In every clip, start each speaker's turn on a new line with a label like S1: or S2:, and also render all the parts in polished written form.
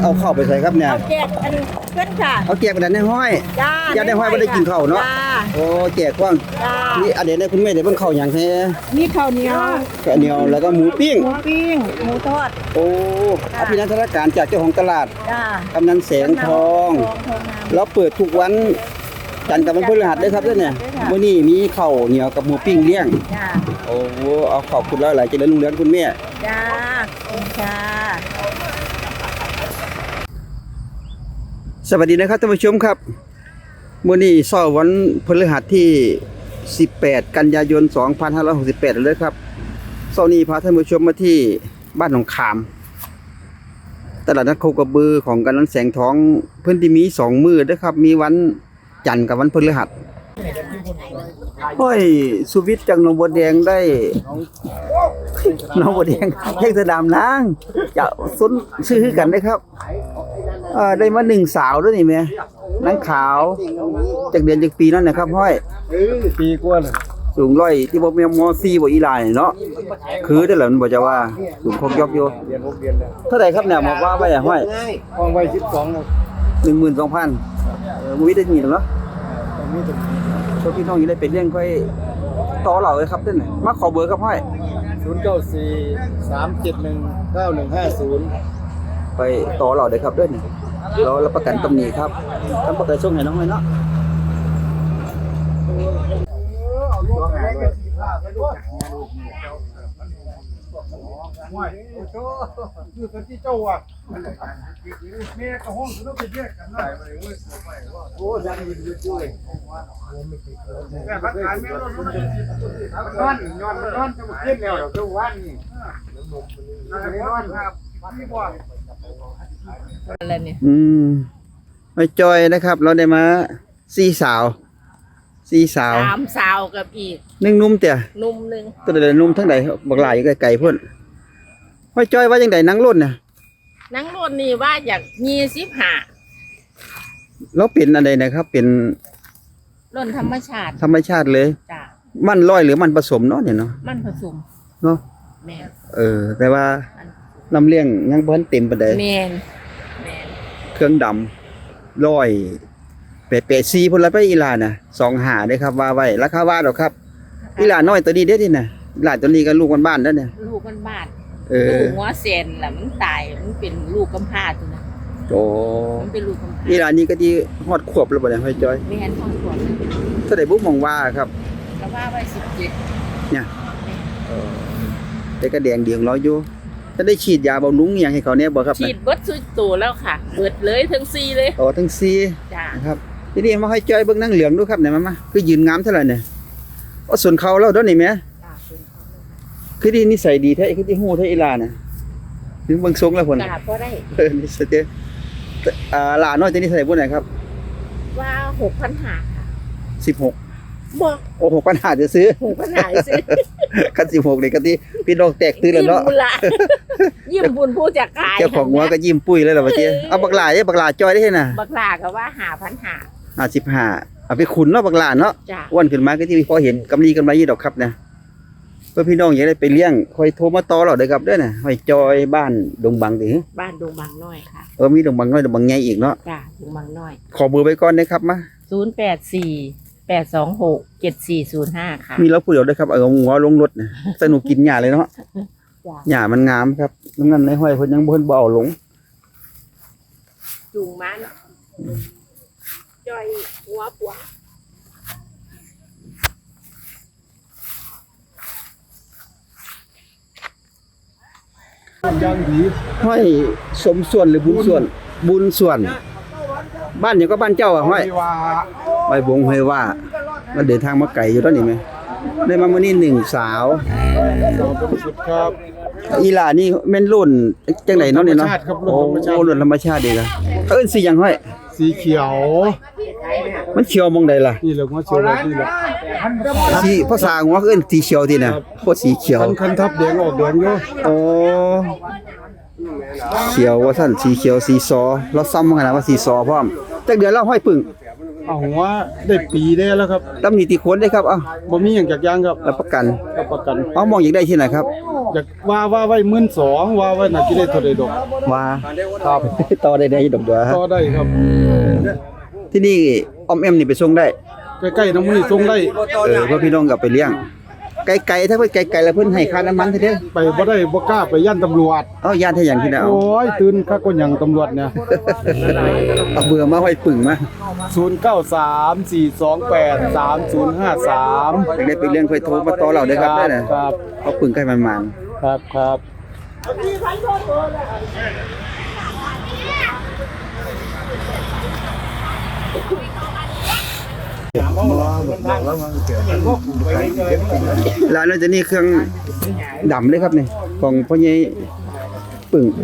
S1: เอาเข้าไปใส่ครับเนี่ย
S2: เอาแจกอันเพื่อนค่ะ
S1: เอาแจกกันในห้อย
S2: จ้า
S1: ญาติในห้อยบ่ได้กินข้าวเนาะโอ้แจกกว้างนี่อันเดี๋ยวคุณแม่ได้เบิ่งข้าวหยังแท้
S2: มีข้าวเหนียว
S1: ข้าวเหนียวแล้วก็หมูปิ้ง
S2: หมูทอด
S1: โอ้อภินันทนาการจากเจ้าของตลาดกำนันแสงทองแล้วเปิดทุกวันจันทร์กับวันพฤหัสด้วยครับเนี่ยมื้อนี้มีข้าวเหนียวกับหมูปิ้งเลี้ยงโอ้เอาขอบคุณหลายๆเจริญรุ่งเรืองคุณแม่
S2: จ้าขอบคุณค่ะ
S1: สวัสดีนะครับท่านผู้ชมครับมื้อนี้เช้าวันพฤหัสที่18กันยายน2568เลยครับเช้านี้พาท่านผู้ชมมาที่บ้านหนองขามตลาดนัดโคกระบือของกำนันแสงทองเพิ่นที่มี2มื้อด้วยครับมีวันจันทร์กับวันพฤหัสห้อยสุวิทย์จากหนองบัวแดงได้หนองบัวแดงแยกสะดามนางจะสนซื้อกันได้ครับได้มา1สาวด้วยนี่แม่นางขาวจากเดือนจากปีนั่นนะครับห้อย
S3: ปีกว่า
S1: สูงร้อยที่บ่แม่นม.4 บ่อีหลายเนาะคือได้แล้วมันบ่จะว่าสูงคกยกอยู่
S3: เรียน6เดือนแล้ว
S1: เท่าไหร่ครับเนี่ยบอกว่าไว้ห้อย
S3: ห้องไว้12
S1: 12,000บ่มีได้มีเนาะ
S3: มีตรงนี้
S1: พวกพี่น้องอยู่ได้เป็นเรื่องค่อยต่อเราเลยครับเด้อมาขอเบอร์ครับห้อย
S3: 0943719150
S1: ไปต่อเราได้ครับเด้อนี่เรารับประกันตำหนิครับทำประกันส่งให้น้องห้อยเนาะ
S3: คือคนที่เจ้าอ่ะแม่กับห้องต้องไปแยกกันได้โอ้ยังมีอยู่ด้วยแม่พักการแม่รถนอนจะมาขึ้นแล้วเดี๋ยวเจ้าวันนี่นอนครับพี่บอล
S2: อะไรเนี่ย
S1: ไม่จอยนะครับเราได้มา4 สาว
S2: 3 สาวกับอีก
S1: 1นุ่มเตี่ย
S2: นุ่ม1
S1: ตัวใดนุ่มทั้งใดบักหลายอยู่ไกลๆพุ่นไม่จอยว่าจังได๋นังรุ่นน่ะ
S2: นังรุ่นนี่ว่าอยาก25
S1: แล้วเป็นอันใดนะครับเป็น
S2: รุ่นธรรมชาติ
S1: เลย
S2: จ้ะ
S1: มันร้อยหรือมันผสมเนาะเนี่ยเนาะ
S2: มันผสม
S1: เนาะ
S2: แม่
S1: แต่ว่าน้ำเลี้ยงยังบ่ทันเต็มปานใด
S2: แม่น
S1: เครื่องดำร้อยเป๊ะๆ4พุ่นละไปอีหลาน่ะ25เด้ครับว่าไว้ราคาว่าดอกครับอีหลาน้อยตัวนี้เด้นี่น่ะอีหลาตัวนี้ก็ลูกบ้านๆเด้อเนี่ย
S2: ลูกบ้านลูกหัวเซนล่ะมันตายมันเป็นลูกกำพร้าตัวน่ะ
S1: โอ้
S2: มันเป็นลูกกำพร้า
S1: อีหลานี่ก็ที่ฮอดขวบแล้วบ่เนี่ยห้อยจอย
S2: แม่นฮอดขวบ
S1: เท่าใดบ่มองว่าครับ
S2: ก็ว่าไว้17
S1: เนี่ยแต่ก็แดงเดียงร้อยอยู่จะได้ฉีดยาบำรุงอีหยังให้เขาเนี่ยบ่ครับ
S2: ฉีดเบิดสุดโตแล้วค่ะเบิดเลยทั้ง4เลย
S1: ทั้ง4
S2: จ้ะ
S1: ครับทีนี้มาให้จอยเบิ่งนางเหลืองดูครับเนี่ยมาคือยืนงามเท่าไหร่เนี่ยส่วนเขาแล้วเด้อนี่แม่คือดีนิสัยดีแท้คือที่ฮู้แท้อีหลาน่ะถึงเบิ่งทรงแล้วพุ่น
S2: จ้ะบ่ได้
S1: นี่ซะเด้หลาน้อยตัวนี้เท่าไหร่พุ่นน่ะครับ
S2: ว่า 6,500 ค่ะ
S1: 16
S2: บ่
S1: โอ้ 6,500จะซื้อ
S2: 6,500ซื้อ
S1: คัน16นี่ก็ที่พี่น้องแตกตื่นแล้วเนาะ
S2: ยิ้มบุญผู้จักขาย
S1: เจ้าของหัวก็ยิ้มปุ้ยเลยล่ะว่าติเอาบักหลาบักหลาจอยได้เฮ็ดน่ะ
S2: บักหลาก็ว่า 5,500
S1: 55เอาไปขุนเนาะบักหลาเนาะอ้วนขึ้นมาก็ที่พอเห็นกำไรอยู่ดอกครับนะเพื่อพี่น้องอยากได้ไปเลี้ยงค่อยโทรมาต่อเราได้ครับเด้อน่ะห้อยจอยบ้านดงบังติ
S2: บ้านดงบังน้อยค่ะ
S1: มีดงบังน้อยดงบังใหญ่อีกเนาะ
S2: จ้ะดงบังน้อย
S1: ขอเบอร์ไว้ก่อนนะครับมา
S2: 0848267405ค่ะ
S1: มีแล้วผู้เดียวได้ครับเอาหัวลงรถน่ะสนุกกินหญ้าเลยเนาะหญ้ามันงามครับงั้นในห้อยเพิ่นยังบ่บ่เอาลง
S2: จูงมันจอยหัวปัว
S3: ยังดี
S1: ห้อยสมส่วนหรือบุญส่วนบ้านหยังก็บ้านเจ้าอ่ะห้อยไปบงห้อยว่ามันเดินทางมาไกลอยู่ตอนนี้มั้ยได้มามื้อนี้1สาว
S3: ครับ
S1: อีหลานี่แม่นรุ่นจังได๋เนาะนี่เนาะโอ้รุ่นธรรมชาติดีล่ะเอิ้นสิหยังห้อย
S3: สีเขียว
S1: มันเขียวมองใดล่ะ
S3: นี่แหละหัวเขียวนี่แหละ
S1: สีภาษาหัวเอิ้นสีเขียวติน่ะโคตรสีเขียว
S3: คันทับแดงออกแดงอยู่
S1: โอ้เขียวว่าซั่นสีเขียวสีซอเราซ้ำขนาดว่าสีซอพร้อมจักเดือนแล้วห้อยปึ้ง
S3: เอาหัวได้ปีได้แล้วครับ
S1: ตำหนิติโคนได้ครับเอา
S3: บ่มีหยังจากอยางครับ
S1: รับประกัน
S3: รับประกัน
S1: เอามองอยากได้ที่ไหนครับ
S3: อยากว่าไว้12,000ว่าไว้น่าสิได้เท่าใดดอก
S1: ว่าครับ ต่อได้ดอกเดียว
S3: ต่อได้ครับ
S1: ที่นี่ออมแอมนี่ไปส่งได้
S3: ใกล้ๆน้ำมือส่งได้
S1: เพื่อพี่น้องกลับไปเลี้ยงไกลๆถ้าเพิ่นไกลๆแล้วเพิ่นให้ค่าน้ำมันเด้อ
S3: ไปบ่ได้บ่กล้าไปย่านตำรวจ
S1: เอาญาติให้หยังที่ไหนเอา
S3: โอ้ยตื่นคักก็หยังตำรวจเนี่ย
S1: เอาเบื่อมาไว้ปึ่งมา
S3: 0934283053
S1: อยากได้ไปเลี้ยงค่อยโทรมาต่อเราเด้อครับได้น่ะ
S3: ครับ
S1: เอาปึ่งใกล้มัน
S3: ครับครับ
S1: ๆร้านเราจะนี่เครื่องดำเลยครับนี่ของพ่อใหญ่ปึ่ง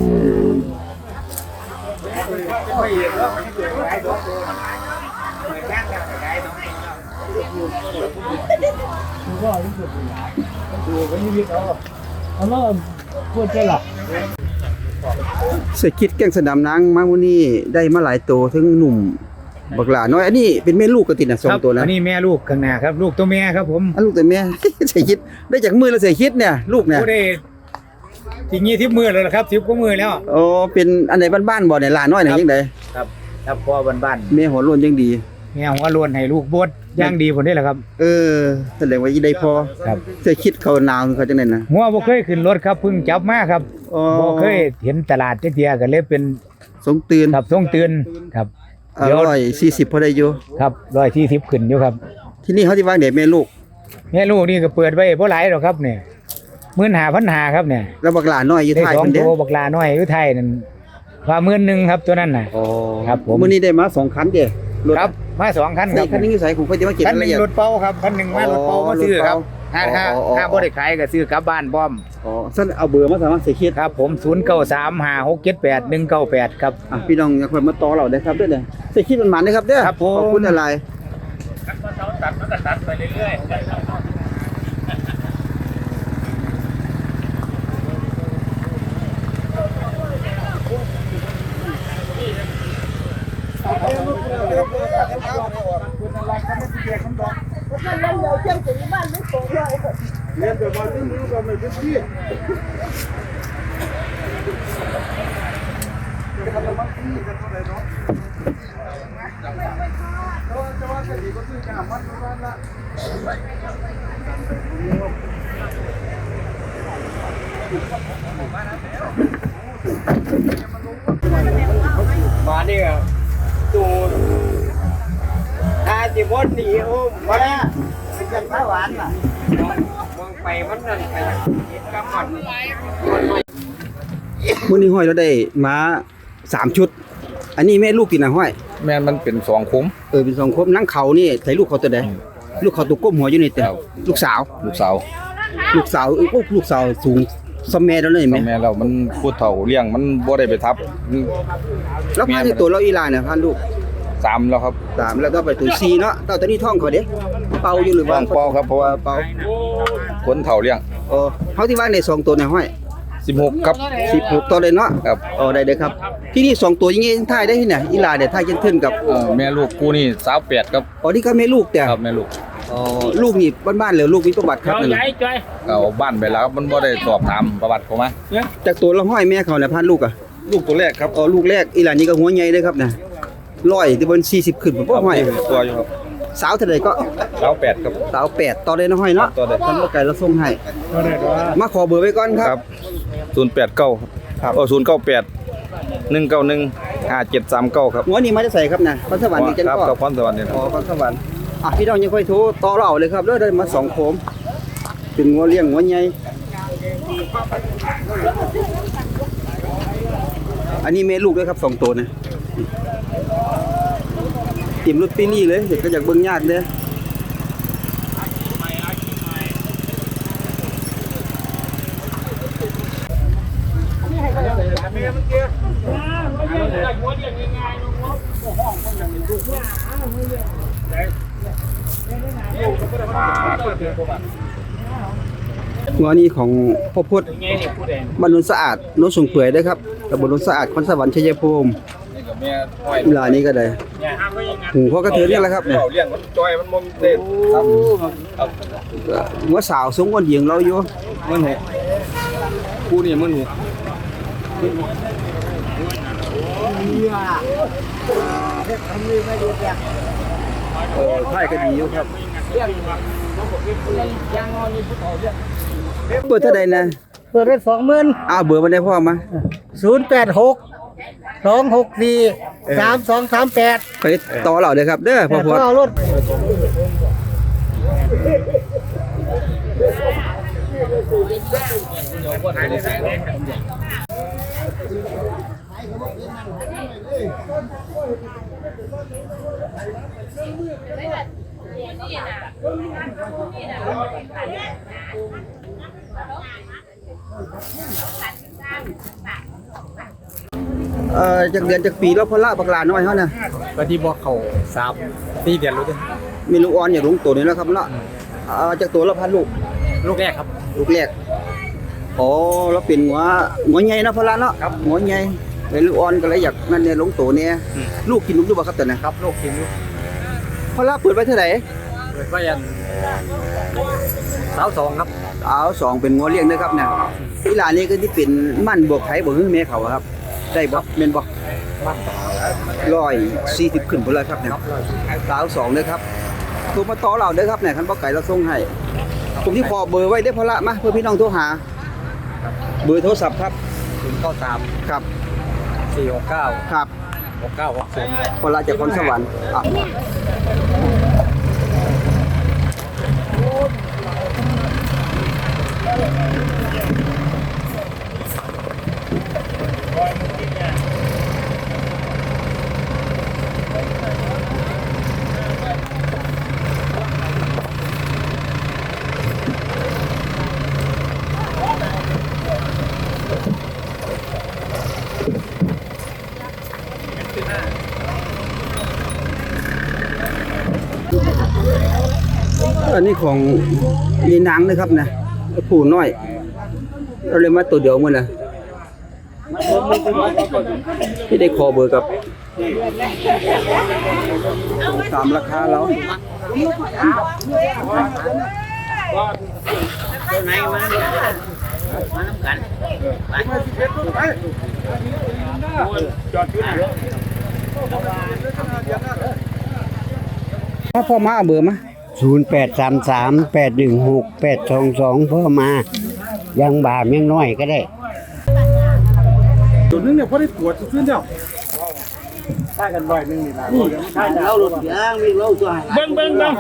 S1: เศรษฐกิจแก่งสนามนางมามื้อนี้ได้มาหลายโตถึงหนุ่มบักหลาน้อยอันนี้เป็นแม่ลูกกันติดน่ะสองตัวนะ
S4: อันนี้แม่ลูกข้างหน้าครับ ลูกตัวแม่ครับผม
S1: อันลูกแต่แม่ เศรษฐกิจได้จากมือแล้วเศรษฐกิจเนี่ยลูกเนี่ย
S4: ผู้ได้ทีนี้ทิพมือเลยครับทิพก็มือแล้ว
S1: โอ้เป็นอันไหนบ้านๆบ่เนี่ยหลานน้อยเนี่ยจังได๋
S4: ครับครับพ่อบ้าน
S1: แม่หัวโล้นยังดี
S4: ๆแม่หัวโล้วนให้ลูกบดย่างดีผลได้แหละครับ
S1: เออแสดงว่ายี่ได้พอ
S4: ครับ
S1: เศรษฐกิจเขาหนาวเขาจังได๋นะ
S4: หัวบ่เคยขึ้นรถครับเพิ่งจับมาครับ
S1: อ๋อ
S4: บ่เคยเห็นตลาดเที่ยก็เลยเป็น
S1: สงตื่น
S4: ครับส่งเตือนครับ
S1: 140พอได้อยู่
S4: ครับ140ขึ้นอยู่ครับ
S1: ที่นี่เขาสิวางเด็กแม่ลูก
S4: แม่ลูกนี่ก็เปิดไว้บ่หลายหรอกครับเนี่ย15,500ครับเนี่ย
S1: แล้วบักหลานน้อยอยู่
S4: ได้
S1: ท้าย
S4: สอง
S1: เพิ่นเด้
S4: ตัวบักลาน้อยอยู่ไทยนั่นว่า11,000ครับตัวนั้นน่ะ
S1: อ๋อ
S4: ครับผม
S1: มื้อนี้ได้มา2คันเด้รถ
S4: ครับมา2คันค
S1: นี่
S4: รับ
S1: คันนี้อยู่ไสผมก็จะมาเก็บ
S4: คัน
S1: ราย
S4: ห
S1: ละ
S4: นึ่ง
S1: เอียด
S4: รถเป้าครับคันหนึ่งมารถเป้ามาซื้อครับ
S1: รถเป้า
S4: ถ้า
S1: อ๋อ
S4: บ่ได้ขายก็ซื้อกลับบ้านพร้อม
S1: อ๋อซั่นเอาเบอร์มาสามารถเสียคิด
S4: ครับผม0935678198ครับ
S1: อ่ะพี่น้องอยากเพิ่นมาต่อเราได้ครับเด้อเด้อเสียคิดมันมันเด้อครับเด้อ
S4: ครับผม
S1: ขอบคุณอะไร
S3: เรียนแบบว่าที่นี่ก็ไม่เป็นที่มาเนี่ยดูถ้าจิมดหนีโอ้มาแล้วเป็นข้าวหวานอ่ะมองไปมันนั่นไปกำมัน
S1: มื้อนี้ห้อยเราได้มา3ชุด อันนี้แม่ลูกตินะห้อย
S5: แม่นมันเป็นสองคุ้ม
S1: เป็น2ครบนั่งเขานี่ใส่ลูกเขาตัวใดลูกเขาตัวก้มหัวอยู่นี่แต่
S5: ครับ
S1: ลูกสาว
S5: ลูกสาว
S1: ลูกสาวลูกสาวสูงสมแม่แล้วเลยแม่
S5: แม่เรามันพูดเฒ่าเลี้ยงมันบ่ได้ไปทับ
S1: แล้วพาที่ตัวเราอีหลานเนี่ยพาลูก
S5: สามแล้วครับ
S1: 3แล้วก็ไปตัว4เนาะตอนนี้ท้องเขาเด้เป่าอยู่หรือ
S5: ต้
S1: ว่า
S5: องเป้าครับเพราะว่า
S1: เป่า
S5: คนเฒ่าเลี้ยง
S1: เขาที่ว่าใน2ตัวเนี่ยห้อย
S5: 16ครับ
S1: 16ตัวเลยเนาะ
S5: ครับ
S1: ได้เด้อครับ ที่นี่2ตัวอยังงี้ถ่ายได้ที่ไหนอีหลานเนี่ยถ่ายเช่นกับ
S5: แม่ลูกกูนี่28ครับ
S1: นี่ก็แม่ลูกแต่
S5: ครับแม่ลูก
S1: ลูกนี่บ้านๆเลยลูกมีประวัติครับนั่นน่ะ
S5: เอาบ้านไปแล้วครับมันบ่ได้สอบถามประวัติเขามา
S1: จากตัวละห้อยแม่เขาเนี่ยพาลูกอ่ะ
S5: ลูกตัวแรกครับ
S1: ลูกแรกอีหลานนี่ก็หัวใหญ่เลยครับนะ100ที่บน40ขึ้นบ่พ่อห้อย
S5: ตัวอยู่ครับ
S1: สาวเท่าใดก็
S5: 28ครับ
S1: สาว8ต่อได้นะห้อยเนาะ
S5: ต่อได้
S1: ท่านบ่ไกลเราส่งให้มาขอเบอร์ไว้ก่อนค
S5: ค
S1: รั
S5: รับ บ089ครับ098 191 5739ครับ
S1: หัวนี่มาจะใส่ครับนะพรสวรรค์นี่จัง
S5: ครับ
S1: ก็
S5: กับพรสวรรค์นี่นะ
S1: พรสวรรค์พี่น้องยังค่อยโทรต่อเราเลยครับเด้อได้มา2โคมเป็นงัวเลี้ยงงัวใหญ่อันนี้แม่ลูกด้วยครับ2ตัวนะติ่มรถปีนี่เลยเด็กก็อยากเบิ่งยากเด้องัวนี้ของพ่อพุทธบ้านโนนสะอาดโนนสูงเปื่อยเด้อครับตำบลโนนสะอาดคอนสวรรค์ชัยภูมิ
S5: แม่ห้อย
S1: เวลานี้ก็ได้หูพ่อกระเทือนนี่แหละครับเนี่ย
S5: เลี้ยงมันจอยมันบ่มีเต้นครับครับ
S1: หัวสาวสูงกว่าหญิงเราอยู่
S5: 16,000คู่นี่16,000
S1: ไพ่ก็ดีอยู่ครับเปิดเท่าใดนะ
S6: เปิดได้20,000
S1: อ้าวเบอร์มันได้พ่อมา
S6: 086 264 3238
S1: ไปต่อเราเด้อครับเด้อพ่อพอด
S6: เอารถ
S1: จากเดือนจากปีแล้วพอละบักหลาน้อยเฮานะ
S4: ก็ที่บอกเขา3-4เดือนรู้เด้อ
S1: มีลูกอ่อนอย่าลงตัวนี่แล้วครับเนาะจากตัวละพันลูก
S4: ลูกแรกครับ
S1: ลูกแรกอ๋อแล้วเป็นหัวใหญ่เนาะพอละเนาะ
S4: ครับ
S1: หัวใหญ่เป็นลูกอ่อนก็เลยอยากนั่นเนี่ยลงตัวเนี่ยลูกกินลูกอยู่บ่ครับตอนนั้น
S4: ครับลูกกินลูก
S1: พอละเปิดไว้เท่าไหร่
S4: เปิดไว้อัน22ครับ
S1: เอาสองเป็นงัวเลี้ยงเด้อครับเนี่ยอีหลานนี่ก็ที่เป็นมั่นบวกไทยบ่ฮื้อแม่เขาอะครับได้บ่แม่นบ่140ขึ้นพุ่นเลยครับเนี่ยสาวสองเด้อครับโทรมาต่อเราเด้อครับเนี่ยคันบ่ไก่เราส่งให้ผมที่ขอเบอร์ไว้ได้อพอละมาเพื่อพี่น้องโทรหาเบอร์โทรศัพท์ครับ
S4: 093
S1: ครับ
S4: 469
S1: ครับ
S4: 6960
S1: พอละจากคนสวรรค์อ่ะอันนี้ของมีนางนะครับนะผู้น้อยเราเลยมาตัวเดียวมื้อน่ะที่ได้ขอเบอร์กับตามราคาเราพ่อมาเอาเบอร์มา
S6: 0833816822เพิ่มมายังบาปยังน้อยก็ได้
S3: ตัวนึงเนี่ยพอได้ปวดขึ้นแล้ว
S6: เราหลุดยางมีเราตัว